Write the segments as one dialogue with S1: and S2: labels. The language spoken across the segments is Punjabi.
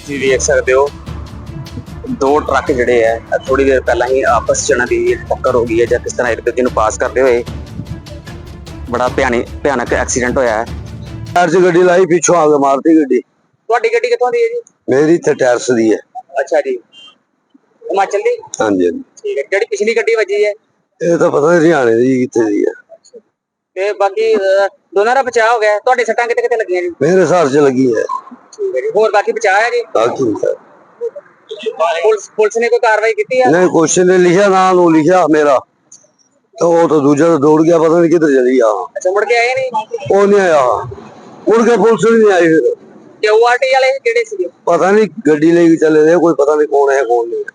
S1: ਤੁਸੀਂ ਵੇਖ ਸਕਦੇ ਹੋ ਦੋ ਟਰੱਕ ਜਿਹੜੇ ਆ ਥੋੜੀ ਦੇਰ ਪਹਿਲਾਂ ਹੀ ਆਪਸ ਚ ਇਹਨਾਂ ਦੀ ਟੱਕਰ ਹੋ ਗਈ ਹੈ ਜਾਂ ਕਿਸ ਤਰ੍ਹਾਂ ਇੱਕ ਦੂਜੇ ਨੂੰ ਪਾਸ ਕਰਦੇ ਹੋਏ ਬੜਾ ਭਿਆਨਕ ਐਕਸੀਡੈਂਟ ਹੋਇਆ ਹੈ।
S2: ਟਾਇਰ 'ਚ ਗੱਡੀ ਲਾਈ, ਪਿੱਛੋਂ ਆ ਕੇ ਮਾਰਤੀ ਗੱਡੀ।
S1: ਤੁਹਾਡੀ ਗੱਡੀ ਕਿੱਥੋਂ ਦੀ ਹੈ ਜੀ?
S2: ਮੇਰੀ ਇੱਥੇ ਟਾਇਰਸ ਦੀ ਹੈ।
S1: ਅੱਛਾ ਜੀ, ਹਿਮਾਚਲ ਦੀ?
S2: ਹਾਂਜੀ ਹਾਂਜੀ।
S1: ਠੀਕ ਹੈ। ਜਿਹੜੀ ਪਿਛਲੀ ਗੱਡੀ ਵੱਜੀ ਹੈ
S2: ਇਹ ਤਾਂ ਪਤਾ ਨਹੀਂ ਹਰਿਆਣੇ ਦੀ ਕਿੱਥੇ ਦੀ ਹੈ।
S1: ਤੇ ਬਾਕੀ ਦੋਨਾਂ ਦਾ ਬਚਾਅ ਹੋ ਗਿਆ। ਤੁਹਾਡੇ ਸੱਟਾਂ ਕਿਤੇ ਕਿਤੇ ਲੱਗੀਆਂ ਜੀ?
S2: ਮੇਰੇ ਹਿਸਾਬ 'ਚ ਲੱਗੀ ਹੈ।
S1: ਠੀਕ ਹੈ ਜੀ। ਹੋਰ ਬਾਕੀ ਬਚਾਅ ਹੈ ਜੀ?
S2: ਬਾਕੀ
S1: ਪੁਲਿਸ ਨੇ ਕੋਈ ਕਾਰਵਾਈ ਕੀਤੀ ਹੈ?
S2: ਨਹੀਂ, ਕੁਐਸਚਨ ਨੇ ਲਿਖਿਆ, ਨਾਂ ਨੂੰ ਲਿਖਿਆ ਮੇਰਾ, ਤਾਂ ਉਹ ਤਾਂ ਦੂਜਾ ਤਾਂ ਦੌੜ ਗਿਆ, ਪਤਾ ਨਹੀਂ ਕਿੱਧਰ ਚਲੀ ਗਿਆ।
S1: ਅੱਛਾ, ਮੁੜ ਕੇ ਆਏ ਨਹੀਂ?
S2: ਉਹ ਨਹੀਂ ਆਇਆ, ਮੁੜ ਕੇ ਪੁਲਿਸ ਵੀ ਨਹੀਂ ਆਈ। ਫਿਰ
S1: ਕਿਊਆਰਟੀ ਵਾਲੇ ਕਿਹੜੇ ਸੀਗੇ?
S2: ਪਤਾ ਨਹੀਂ, ਗੱਡੀ ਲੈ ਕੇ ਚਲੇ ਗਏ, ਕੋਈ ਪਤਾ ਨਹੀਂ ਕੌਣ ਹੈ ਕੌਣ ਨਹੀਂ।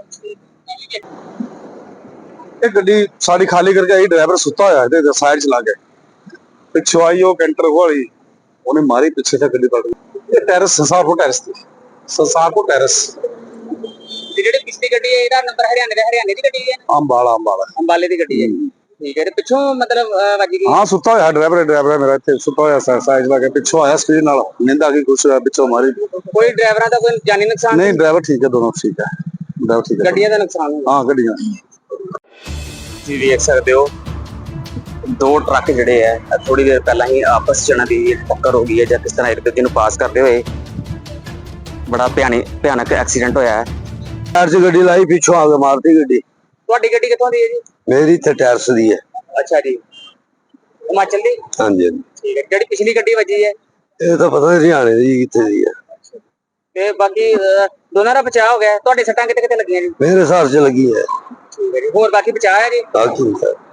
S3: ਇਹ ਗੱਡੀ ਸਾਡੀ ਖਾਲੀ ਕਰਕੇ ਆਈ, ਡਰਾਈਵਰ ਸੁੱਤਾ ਹੋਇਆ ਇਹਦੇ ਸਾਈਡ ਚਲਾ ਕੇ, ਪਿੱਛੋਂ ਆਈ ਉਹ ਕੈਂਟਰ ਵਾਲੀ, ਉਹਨੇ ਮਾਰੀ ਪਿੱਛੇ ਤੇ ਗੱਡੀ ਪਲਟ ਗਈ। ਇਹ ਟੈਰਸ ਸੰਸਾਰਪੁਰ ਟੈਰਸ ਤੇ ਸੰਸਾਰਪੁਰ ਟੈਰਸ।
S1: ਜਿਹੜੀ ਪਿਛਲੀ ਗੱਡੀ ਹੈ ਇਹਦਾ ਨੰਬਰ ਹਰਿਆਣੇ ਦੀ ਗੱਡੀ ਹੈ?
S3: ਅੰਬਾਲਾ
S1: ਅੰਬਾਲੇ ਦੀ ਗੱਡੀ ਹੈ। ਠੀਕ ਹੈ। ਤੇ ਪਿੱਛੋਂ ਮਤਲਬ ਵੱਜ ਗਈ?
S3: ਹਾਂ, ਸੁੱਤਾ ਹੋਇਆ ਡਰਾਈਵਰ ਮੇਰਾ ਇੱਥੇ ਸੁੱਤਾ ਹੋਇਆ ਸਾਈਡ ਲਾ ਕੇ, ਪਿੱਛੋਂ ਆਇਆ ਸਪੀਡ ਨਾਲ, ਨਿੰਦ ਆ ਗਈ, ਕੁਛ ਪਿੱਛੋਂ ਮਾਰੀ।
S1: ਕੋਈ ਡਰਾਈਵਰਾਂ ਦਾ ਕੋਈ ਜਾਨੀ ਨੁਕਸਾਨ
S3: ਨਹੀਂ, ਡਰਾਈਵਰ ਠੀਕ ਹੈ, ਦੋਨੋਂ ਠੀਕ ਹੈ, ਡਰਾਈਵਰ ਠੀਕ ਹੈ।
S1: ਗੱਡੀਆਂ ਦਾ ਨੁਕਸਾਨ ਹੋਇਆ?
S3: ਹਾਂ, ਗੱਡੀਆਂ।
S1: ਤੁਸੀਂ ਵੇਖ ਸਕਦੇ ਹੋ ਦੋ ਟਰੱਕ ਜਿਹੜੇ ਆ ਥੋੜੀ ਦੇਰ ਪਹਿਲਾਂ ਹੀ ਆਪਸ ਚ ਇਹਨਾਂ ਦੀ ਟੱਕਰ ਹੋ ਗਈ ਹੈ ਜਾਂ ਕਿਸ ਤਰ੍ਹਾਂ ਇੱਕ ਦੂਜੇ ਨੂੰ ਪਾਸ ਕਰਦੇ ਹੋਏ ਬੜਾ ਭਿਆਨਕ ਐਕਸੀਡੈਂਟ ਹੋਇਆ ਹੈ।
S2: ਟਾਇਰ 'ਚ ਗੱਡੀ ਲਾਈ, ਪਿੱਛੋਂ ਆ ਕੇ ਮਾਰਤੀ ਗੱਡੀ।
S1: ਤੁਹਾਡੀ ਗੱਡੀ ਕਿੱਥੋਂ ਦੀ ਹੈ ਜੀ?
S2: ਮੇਰੀ ਇੱਥੇ ਟਾਇਰਸ ਦੀ ਹੈ।
S1: ਅੱਛਾ ਜੀ, ਹਿਮਾਚਲ ਦੀ?
S2: ਹਾਂਜੀ ਹਾਂਜੀ।
S1: ਠੀਕ ਹੈ। ਜਿਹੜੀ ਪਿਛਲੀ ਗੱਡੀ ਵੱਜੀ ਹੈ
S2: ਇਹ ਤਾਂ ਪਤਾ ਨਹੀਂ ਹਰਿਆਣੇ ਦੀ ਕਿੱਥੇ ਦੀ ਹੈ।
S1: ਤੇ ਬਾਕੀ ਦੋਨਾਂ ਦਾ ਬਚਾਅ ਹੋ ਗਿਆ। ਤੁਹਾਡੇ ਸੱਟਾਂ ਕਿਤੇ ਕਿਤੇ ਲੱਗੀਆਂ ਜੀ?
S2: ਮੇਰੇ ਹਿਸਾਬ 'ਚ ਲੱਗੀ ਹੈ।
S1: ਠੀਕ ਹੈ ਜੀ। ਹੋਰ ਬਾਕੀ ਬਚਾਅ ਹੈ ਜੀ?
S2: ਬਾਕੀ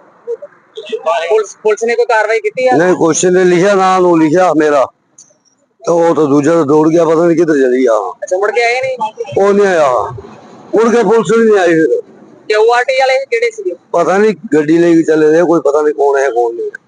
S1: ਪੁਲਿਸ ਨੇ ਕੋਈ ਕਾਰਵਾਈ ਕੀਤੀ ਹੈ?
S2: ਨਹੀਂ, ਕੁਐਸਚਨ ਨੇ ਲਿਖਿਆ, ਨਾਂ ਨੂੰ ਲਿਖਿਆ ਮੇਰਾ, ਤਾਂ ਉਹ ਤਾਂ ਦੂਜਾ ਤਾਂ ਦੌੜ ਗਿਆ, ਪਤਾ ਨਹੀਂ ਕਿੱਧਰ ਚਲੀ ਗਿਆ।
S1: ਅੱਛਾ, ਮੁੜ ਕੇ ਆਏ ਨਹੀਂ?
S2: ਉਹ ਨਹੀਂ ਆਇਆ, ਮੁੜ ਕੇ ਪੁਲਿਸ ਵੀ ਨਹੀਂ ਆਈ। ਫਿਰ
S1: ਕਿਊਆਰਟੀ ਵਾਲੇ ਕਿਹੜੇ ਸੀਗੇ?
S2: ਪਤਾ ਨਹੀਂ, ਗੱਡੀ ਲੈ ਕੇ ਚਲੇ ਗਏ, ਕੋਈ ਪਤਾ ਨਹੀਂ ਕੌਣ ਹੈ ਕੌਣ ਨਹੀਂ।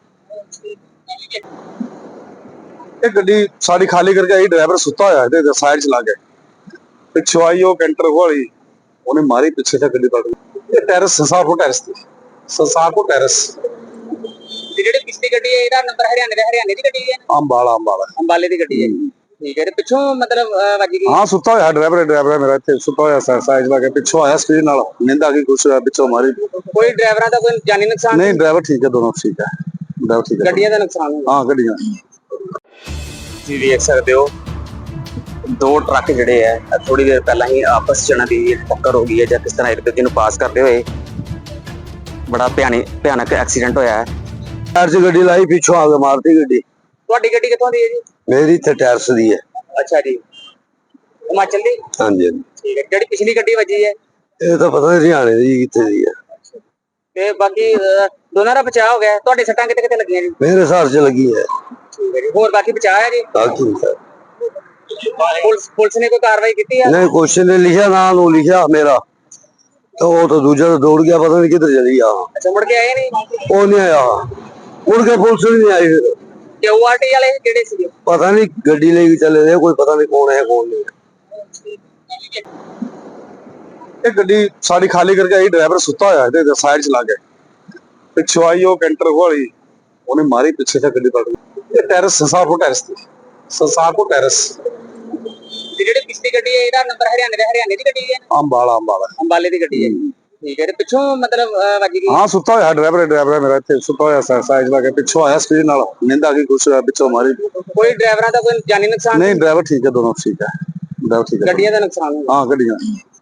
S3: ਇਹ ਗੱਡੀ ਸਾਡੀ ਖਾਲੀ ਕਰਕੇ ਆਈ, ਡਰਾਈਵਰ ਸੁੱਤਾ ਹੋਇਆ ਇਹਦੇ ਸਾਈਡ ਚਲਾ ਕੇ, ਪਿੱਛੋਂ ਆਈ ਉਹ ਕੈਂਟਰ ਵਾਲੀ, ਉਹਨੇ ਮਾਰੀ ਪਿੱਛੇ ਤੇ ਗੱਡੀ ਪਲਟ ਗਈ। ਇਹ ਟੈਰਸ ਸੰਸਾਰਪੁਰ ਟੈਰਸ ਤੇ ਸੰਸਾਰਪੁਰ ਟੈਰਸ।
S1: ਜਿਹੜੀ ਪਿਛਲੀ ਗੱਡੀ ਹੈ ਇਹਦਾ ਨੰਬਰ ਹਰਿਆਣੇ ਦੀ ਗੱਡੀ ਹੈ?
S3: ਅੰਬਾਲਾ
S1: ਅੰਬਾਲੇ ਦੀ ਗੱਡੀ ਹੈ। ਠੀਕ ਹੈ। ਤੇ ਪਿੱਛੋਂ ਮਤਲਬ ਵੱਜ ਗਈ?
S3: ਹਾਂ, ਸੁੱਤਾ ਹੋਇਆ ਡਰਾਈਵਰ ਮੇਰਾ ਇੱਥੇ ਸੁੱਤਾ ਹੋਇਆ ਸਾਈਡ ਲਾ ਕੇ, ਪਿੱਛੋਂ ਆਇਆ ਸਪੀਡ ਨਾਲ, ਨਿੰਦ ਆ ਗਈ, ਕੁਛ ਪਿੱਛੋਂ ਮਾਰੀ।
S1: ਕੋਈ ਡਰਾਈਵਰਾਂ ਦਾ ਕੋਈ ਜਾਨੀ ਨੁਕਸਾਨ?
S3: ਨਹੀਂ, ਡਰਾਈਵਰ ਠੀਕ ਹੈ, ਦੋਨੋਂ ਠੀਕ ਹੈ, ਡਰਾਈਵਰ ਠੀਕ ਹੈ।
S1: ਗੱਡੀਆਂ ਦਾ ਨੁਕਸਾਨ ਹੋਇਆ?
S3: ਹਾਂ, ਗੱਡੀਆਂ।
S1: ਤੁਸੀਂ ਵੇਖ ਸਕਦੇ ਹੋ ਦੋ ਟਰੱਕ ਜਿਹੜੇ ਆ ਥੋੜੀ ਦੇਰ ਪਹਿਲਾਂ ਹੀ ਆਪਸ ਚ ਇਹਨਾਂ ਦੀ ਟੱਕਰ ਹੋ ਗਈ ਹੈ ਜਾਂ ਕਿਸ ਤਰ੍ਹਾਂ ਇੱਕ ਦੂਜੇ ਨੂੰ ਪਾਸ ਕਰਦੇ ਹੋਏ ਬੜਾ ਭਿਆਨਕ ਐਕਸੀਡੈਂਟ ਹੋਇਆ ਹੈ।
S2: ਟਾਇਰ 'ਚ ਗੱਡੀ ਲਾਈ, ਪਿੱਛੋਂ ਆ ਕੇ ਮਾਰਤੀ ਗੱਡੀ।
S1: ਤੁਹਾਡੀ ਗੱਡੀ ਕਿੱਥੋਂ ਦੀ ਹੈ ਜੀ?
S2: ਮੇਰੀ ਇੱਥੇ ਟਾਇਰਸ ਦੀ ਹੈ।
S1: ਅੱਛਾ ਜੀ, ਹਿਮਾਚਲ ਦੀ?
S2: ਹਾਂਜੀ ਹਾਂਜੀ।
S1: ਠੀਕ ਹੈ। ਜਿਹੜੀ ਪਿਛਲੀ ਗੱਡੀ ਵੱਜੀ ਹੈ
S2: ਇਹ ਤਾਂ ਪਤਾ ਨਹੀਂ ਹਰਿਆਣੇ ਦੀ ਕਿੱਥੇ ਦੀ ਹੈ।
S1: ਤੇ ਬਾਕੀ ਦੋਨਾਂ ਦਾ ਬਚਾਅ ਹੋ ਗਿਆ। ਤੁਹਾਡੇ ਸੱਟਾਂ ਕਿਤੇ ਕਿਤੇ ਲੱਗੀਆਂ ਜੀ?
S2: ਮੇਰੇ ਹਿਸਾਬ 'ਚ ਲੱਗੀ ਹੈ।
S1: ਠੀਕ ਹੈ ਜੀ। ਹੋਰ ਬਾਕੀ ਬਚਾਅ ਹੈ ਜੀ?
S2: ਬਾਕੀ
S1: ਪੁਲਿਸ ਨੇ ਕੋਈ ਕਾਰਵਾਈ ਕੀਤੀ ਹੈ?
S2: ਨਹੀਂ, ਕੁਐਸਚਨ ਨੇ ਲਿਖਿਆ, ਨਾਂ ਨੂੰ ਲਿਖਿਆ ਮੇਰਾ, ਤਾਂ ਉਹ ਤਾਂ ਦੂਜਾ ਤਾਂ ਦੌੜ ਗਿਆ, ਪਤਾ ਨਹੀਂ ਕਿੱਧਰ ਚਲੀ ਗਿਆ।
S1: ਅੱਛਾ, ਮੁੜ ਕੇ ਆਏ ਨਹੀਂ?
S2: ਉਹ ਨਹੀਂ ਆਇਆ, ਮੁੜ ਕੇ ਪੁਲਿਸ ਵੀ ਨਹੀਂ ਆਈ। ਫਿਰ
S1: ਕਿਊਆਰਟੀ ਵਾਲੇ ਕਿਹੜੇ ਸੀਗੇ?
S2: ਪਤਾ ਨਹੀਂ, ਗੱਡੀ ਲੈ ਕੇ ਚਲੇ ਗਏ, ਕੋਈ ਪਤਾ ਨਹੀਂ ਕੌਣ ਹੈ ਕੌਣ ਨਹੀਂ।
S3: ਇਹ ਗੱਡੀ ਸਾਡੀ ਖਾਲੀ ਕਰਕੇ ਆਈ, ਡਰਾਈਵਰ ਸੁੱਤਾ ਹੋਇਆ ਇਹਦੇ ਸਾਈਡ ਚਲਾ ਕੇ, ਪਿੱਛੋਂ ਆਈ ਉਹ ਕੈਂਟਰ ਵਾਲੀ, ਉਹਨੇ ਮਾਰੀ ਪਿੱਛੇ ਤੇ ਗੱਡੀ ਪਲਟ ਗਈ। ਇਹ ਟੈਰਸ ਸੰਸਾਰਪੁਰ ਟੈਰਸ ਤੇ ਸੰਸਾਰਪੁਰ ਟੈਰਸ।
S1: ਜਿਹੜੀ ਪਿਛਲੀ ਗੱਡੀ ਹੈ ਇਹਦਾ ਨੰਬਰ ਹਰਿਆਣੇ ਦੀ ਗੱਡੀ ਹੈ?
S3: ਅੰਬਾਲਾ
S1: ਅੰਬਾਲੇ ਦੀ ਗੱਡੀ ਹੈ। ਠੀਕ ਹੈ। ਤੇ ਪਿੱਛੋਂ ਮਤਲਬ ਵੱਜ ਗਈ?
S3: ਹਾਂ, ਸੁੱਤਾ ਹੋਇਆ ਡਰਾਈਵਰ ਮੇਰਾ ਇੱਥੇ ਸੁੱਤਾ ਹੋਇਆ ਸਾਈਡ ਲਾ ਕੇ, ਪਿੱਛੋਂ ਆਇਆ ਸਪੀਡ ਨਾਲ, ਨਿੰਦ ਆ ਗਈ, ਕੁਛ ਪਿੱਛੋਂ ਮਾਰੀ।
S1: ਕੋਈ ਡਰਾਈਵਰਾਂ ਦਾ ਕੋਈ ਜਾਨੀ ਨੁਕਸਾਨ?
S3: ਨਹੀਂ, ਡਰਾਈਵਰ ਠੀਕ ਹੈ, ਦੋਨੋਂ ਠੀਕ ਹੈ, ਡਰਾਈਵਰ ਠੀਕ ਹੈ।
S1: ਗੱਡੀਆਂ ਦਾ ਨੁਕਸਾਨ ਹੋਇਆ?
S3: ਹਾਂ, ਗੱਡੀਆਂ।